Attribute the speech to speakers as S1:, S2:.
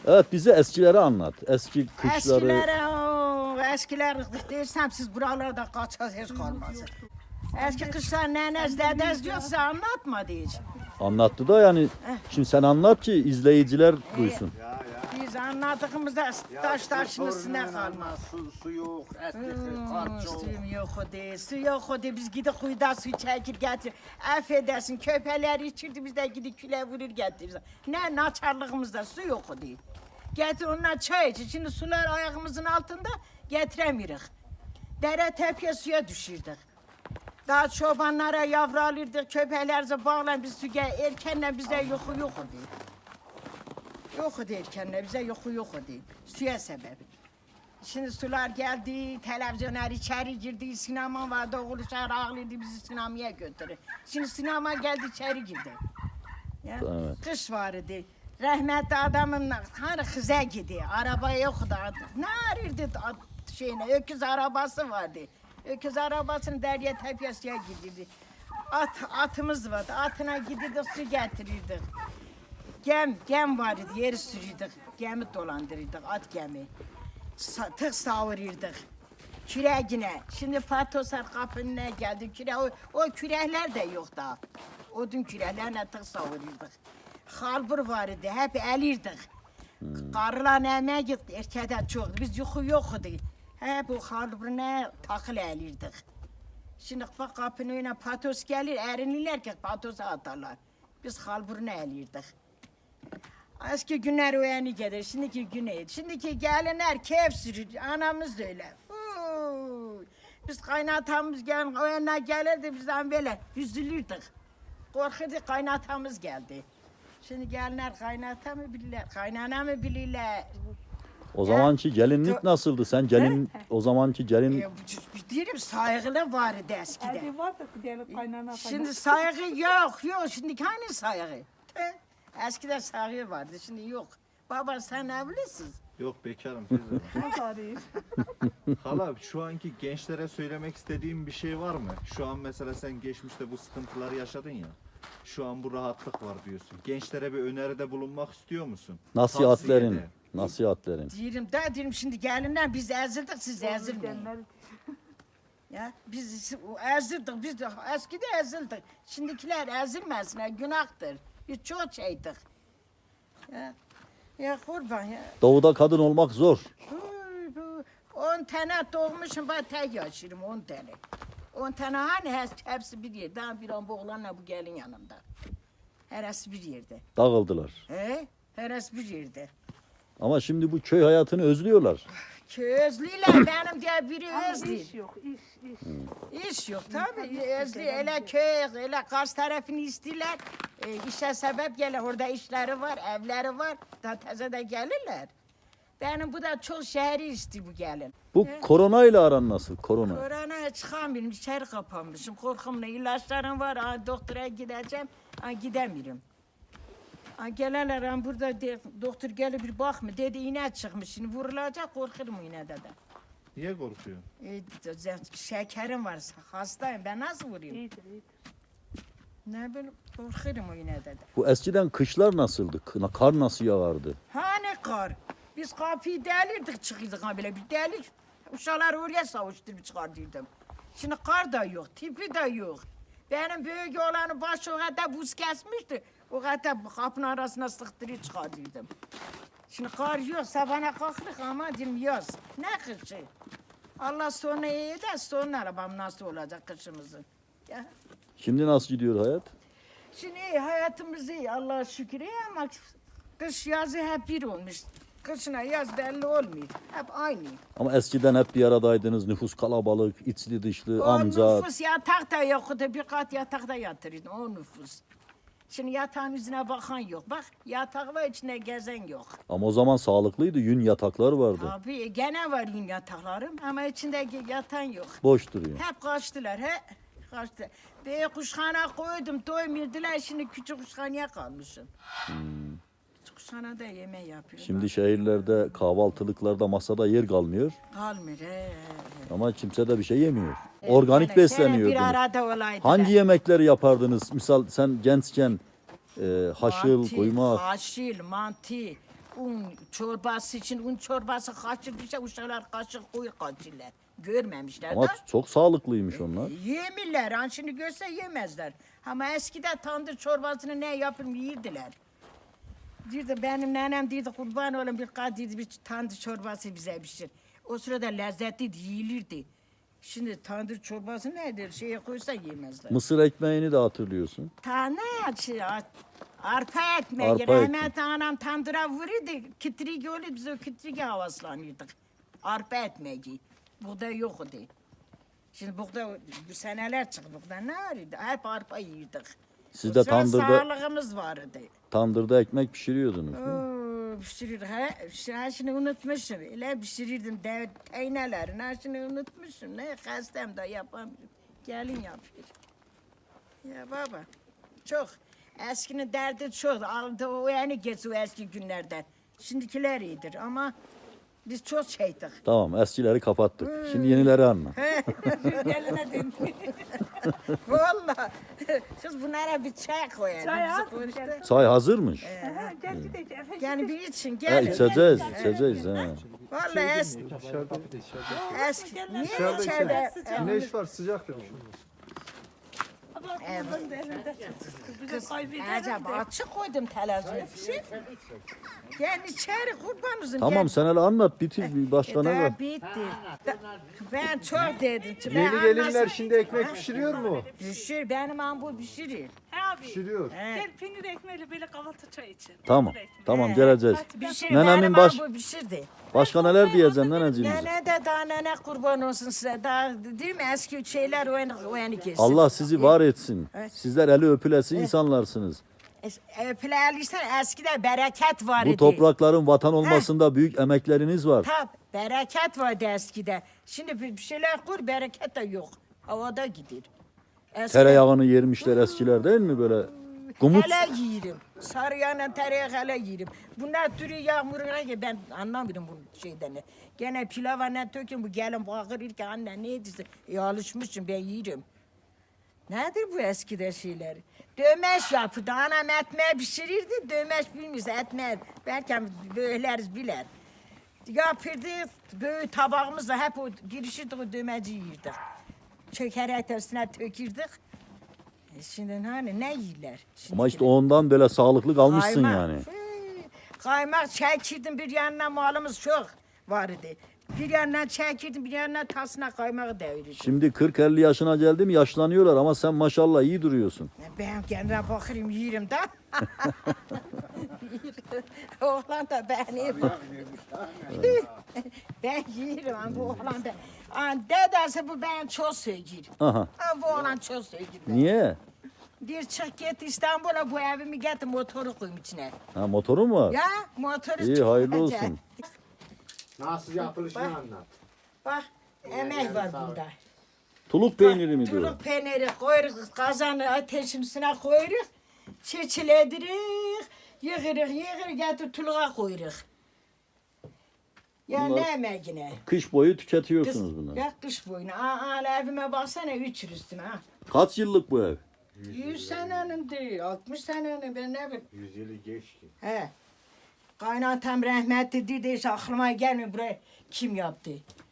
S1: Evet, bize eskileri anlat. Eski kışları.
S2: Eskiler dersem siz buralarda kaçacağız hiç kalmaz. Eski kışlar nenez dedez diyorsa anlatmadı hiç.
S1: Anlattı da yani. Şimdi sen anlat ki izleyiciler duysun.
S2: Biz anlattığımızda taş taşın üstüne kalmaz.
S3: Su yok, eski kar çok.
S2: Suyum yok o değil, su yok o değil. Biz gidip kuyuda su çekir getir. Affedersin köpeler içirdi biz de gidip küle vurur getiririz. Ne naçarlığımızda su yok o değil. Getir onunla çay içir. Şimdi sular ayağımızın altında getiremiyoruz. Dere tepeye suya düşürdük. Daha çobanlara yavru alırdık, köpeklerimize bağlan biz suya erkenle bize yoku yok o değil. Yok o değil erkenle bize yoku yok o değil. Suya sebebi. Şimdi sular geldi, televizyonlar içeri girdi, sinema vardı, oğluşlar ağlıyordu bizi sinemaya götürür. Şimdi sinema geldi içeri girdi. Ya,
S1: Evet.
S2: kış vardı. Rahmetli adamın hani kıza gidiyor, araba yoktu. Ne arıyordu şeyine, öküz arabası vardı. Öküz arabasını derya tepesiye gidiyordu. Atımız vardı, atına gidiyordu, su getirirdik. Gem vardı, yeri sürürdük, gemi dolandırırdık, at gemi. Tık savururduk. Küreğine. Şimdi patoslar kapının önüne geldi. O kürekler de yok daha. Odun küreklerine tık savururduk. Halbur vardı, hep elirdik. Karılar emeğe gitti, erkekler çoktu. Biz yuku yoktu. Hep o halburuna takıl elirdik. Şimdi bak kapının önüne patos gelir, erinirler ki patosa atarlar. Biz halburuna elirdik. Eski günler o yani gelir, şimdiki güne. Şimdiki gelinler keyif sürür, anamız da öyle. Biz kaynatamız o yana gelirdi bizden böyle üzülürdük. Korkurduk kaynatamız geldi. Şimdi gelinler kaynata mı bilirler, kaynana mı bilirler?
S1: O zamanki gelinlik nasıldı? Sen gelin o zamanki gelin
S2: Diyelim saygılı vardı eskiden.
S4: Hadi var da diyelim kaynana.
S2: Şimdi saygı yok, şimdi hani saygı? Eskiden saygı vardı, şimdi yok. Baba sen evlisin.
S3: Yok bekarım teyze.
S4: Nasıl arayayım?
S3: Hala şu anki gençlere söylemek istediğim bir şey var mı? Şu an mesela sen geçmişte bu sıkıntıları yaşadın ya. Şu an bu rahatlık var diyorsun. Gençlere bir öneride bulunmak istiyor musun?
S1: nasihatlerin,
S3: Tavsiyede.
S1: nasihatlerin.
S2: Diyelim şimdi gelinler biz ezildik siz ezilmeyin. Ya biz ezildik biz de eskide ezildik. Şimdikiler ezilmesinler günahtır. Biz çok şeydik. Ya kurban ya.
S1: Doğuda kadın olmak zor.
S2: 10 tane doğmuşum ben tek yaşıyorum 10 tane. 10 tane hani hepsi bir yerde. Daha bir an bu oğlanla bu gelin yanımda. Heresi bir yerde.
S1: Dağıldılar.
S2: Heresi bir yerde.
S1: Ama şimdi bu köy hayatını özlüyorlar.
S2: Közlüler benim diye biri özlü.
S4: İş yok, iş.
S2: İş yok tabii. Özlü hele köy, hele Kars tarafını istiyorlar. İşe sebep gelir. Orada işleri var, evleri var. Daha teze de gelirler. Benim bu da çok şehri istiyor bu gelin.
S1: Bu koronayla aran nasıl? Korona.
S2: Koronaya çıkamıyorum, içeri kapanmışım. Korkumla ilaçlarım var, doktora gideceğim, gidemiyorum. Gelirler burada doktor gelip bir bakma dedi iğne çıkmış şimdi vurulacak korkurum iğnede de.
S3: Niye korkuyorsun?
S2: Şekerim var hastayım ben nasıl vurayım?
S4: İyidir, iyidir.
S2: Ne bileyim korkurum o iğnede de.
S1: Bu eskiden kışlar nasıldı? Kar nasıl yağardı?
S2: Hani kar? Biz kapıyı delirdik çıkıyorduk böyle bir delik. Uşakları oraya savuşturup çıkardıydım. Şimdi kar da yok, tipi de yok. Benim büyük oğlanın başı o kadar buz kesmişti. O kadar kapının arasına sıktırıp çıkardıydım. Şimdi kar yok, sabana kalktık ama diyorum yaz. Ne kışı? Allah sonra iyi de sonra arabam nasıl olacak kışımızın. Ya.
S1: Şimdi nasıl gidiyor hayat?
S2: Şimdi iyi, hayatımız iyi Allah'a şükür iyi ama kış yazı hep bir olmuş. Kışına yaz belli olmuyor. Hep aynı.
S1: Ama eskiden hep bir aradaydınız. Nüfus kalabalık, içli dışlı,
S2: O
S1: amca.
S2: nüfus yatak da yoktu. Bir kat yatakta yatırıyordun o nüfus. Şimdi yatağın yüzüne bakan yok. Bak yatak var içinde gezen yok.
S1: Ama o zaman sağlıklıydı. Yün yataklar vardı.
S2: Tabii gene var yün yataklarım ama içinde yatan yok.
S1: Boş duruyor.
S2: Hep kaçtılar he. Kaçtı. Bir kuşhane koydum doymuyordular şimdi küçük kuşhaneye kalmışım. Küçük kuşhanede yemeği yapıyorum.
S1: Şimdi şehirlerde kahvaltılıklarda masada yer kalmıyor.
S2: Kalmıyor he.
S1: Ama kimse de bir şey yemiyor. Organik besleniyordunuz.
S2: Bir arada olaydılar.
S1: Hangi yemekleri yapardınız? Misal sen gençken haşıl,
S2: Mantı,
S1: kuymak.
S2: Haşil, mantı, un çorbası için un çorbası kaçır bir şey uşaklar kaşık koyur kaçırlar. Görmemişler
S1: Ama
S2: de.
S1: çok sağlıklıymış onlar.
S2: Yemirler. Han şimdi görse yemezler. Ama eskiden tandır çorbasını ne yapıp yiyirdiler. Dirdi benim nenem dirdi kurban olayım bir kadirdi bir tandır çorbası bize pişir. O sırada lezzetli yiyilirdi. Şimdi tandır çorbası nedir? Şeye koysa yemezler.
S1: Mısır ekmeğini de hatırlıyorsun.
S2: Tane arpa ekmeği.
S1: Arpa
S2: Rahmetli anam tandıra vururdu. Kitrik oldu biz o kitrike havaslanırdık. Arpa ekmeği. Buğday yoktu. Şimdi buğday bu seneler çıktı buğday ne arıydı? Hep arpa yiyirdik.
S1: Siz de
S2: O sıra
S1: tandırda
S2: sağlığımız vardı.
S1: ekmek pişiriyordunuz değil mi?
S2: Oo, pişirirdik. Ha, şimdi unutmuşum. Öyle pişirirdim teynelerin. Ha, şimdi unutmuşum. Ne hastam da yapamıyorum. Gelin yapıyor. Ya baba, çok. Eskinin derdi çok. Aldı o yani geç o eski günlerden. Şimdikiler iyidir ama biz çok şeydik.
S1: Tamam, eskileri kapattık. Şimdi yenileri anla.
S4: Geline döndü.
S2: Vallahi. Siz bunlara bir çay koyun.
S4: Çay
S2: Bizi
S4: al,
S2: konuştu.
S4: gel.
S1: Çay hazırmış.
S4: Aha, geldi de Efe.
S2: Yani bir için
S1: Ha,
S2: gelin.
S1: içeceğiz. Ha.
S2: Vallahi eski. Niye içeride?
S5: Güneş var sıcaktır.
S4: Bak, bunun da elinde. Bizi kaybederim
S2: Acaba
S4: de.
S2: açık koydum televizyonu. Gel içeri kurban olsun.
S1: Tamam, sen hele anlat, bitir. Bir başka ne var?
S2: Bitti. Ben çok dedim.
S5: Yeni gelinler şimdi ekmek pişiriyor mu?
S2: Pişir, benim ambu pişirir.
S4: He abi.
S5: Pişiriyor.
S4: Gel peynir ekmeğiyle böyle kahvaltı çay için.
S1: Tamam,
S4: Peynir ekmeği.
S1: tamam geleceğiz.
S2: Pişir,
S1: Nenemin
S2: benim
S1: baş-
S2: ambu pişirdi.
S1: Başka neler diyeceğim neneciğimize?
S2: Nene de daha nene kurban olsun size. Daha değil mi eski şeyler o yani kesin.
S1: Allah sizi var etsin. Sizler eli öpülesi insanlarsınız.
S2: Öpülerliysen eskiden bereket var idi.
S1: Bu toprakların vatan olmasında büyük emekleriniz var.
S2: Tab, bereket vardı eskiden. Şimdi bir şeyler kur, bereket de yok. Havada gider. Eskiden-
S1: Tereyağını yermişler eskiler değil mi böyle? Gumut.
S2: Hele yiyirim. Sarıyana tereyağı hele yiyirim. Bunlar türü yağmuruna ki ben anlamıyorum bu şeyden. Gene pilava ne tökün bu gelin bağırır ki anne ne ediyorsun? Alışmışım ben yiyirim. Nedir bu eskide şeyler? Dömeş yapıdı. Anam etmeği pişirirdi. Dömeş bilmiyorsa etmeği. Belki böyleriz biler. Yapırdı. Böyle tabağımızda hep o girişirdik o dömeci yiyirdik. Çökerek üstüne tökürdük. Şimdi hani ne yiyirler?
S1: Ama işte ondan böyle sağlıklı kalmışsın
S2: Kaymak.
S1: yani.
S2: Kaymak çekirdim bir yanına malımız çok vardı. Bir yandan çekirdim bir yandan tasına kaymağı devirirdim.
S1: Şimdi 40-50 yaşına geldi mi yaşlanıyorlar ama sen maşallah iyi duruyorsun.
S2: Ben kendime bakırım yiyirim de. Oğlan da beni ben yiyirim ama bu oğlan da. Dedesi bu ben çok sevgir.
S1: Aha.
S2: Ama bu oğlan çok sevgir.
S1: Niye?
S2: Bir çık git İstanbul'a bu evimi getir motoru koyayım içine.
S1: Ha, motorun var.
S2: Ya motoru
S1: İyi, hayırlı olsun.
S5: Nasıl yapılışını anlat.
S2: Bak emek var bunda.
S1: Tuluk peyniri mi diyor?
S2: Tuluk peyniri koyuruz, kazanı ateşin üstüne koyuruz. Çeçiledirik, yığırık, getir tuluğa koyuruz. Ya
S1: Bunlar-
S2: ne emeğine?
S1: Kış boyu tüketiyorsunuz bunları.
S2: Ya kış boyuna. Aa, evime baksana 3 yıl üstüne ha.
S1: Kaç yıllık bu ev?
S2: 100 senenin değil, 60 senenin ben ne bileyim.
S5: 100 yılı geçti.
S2: He. Kaynatam rahmetli dedi, hiç aklıma gelmiyor buraya kim yaptı.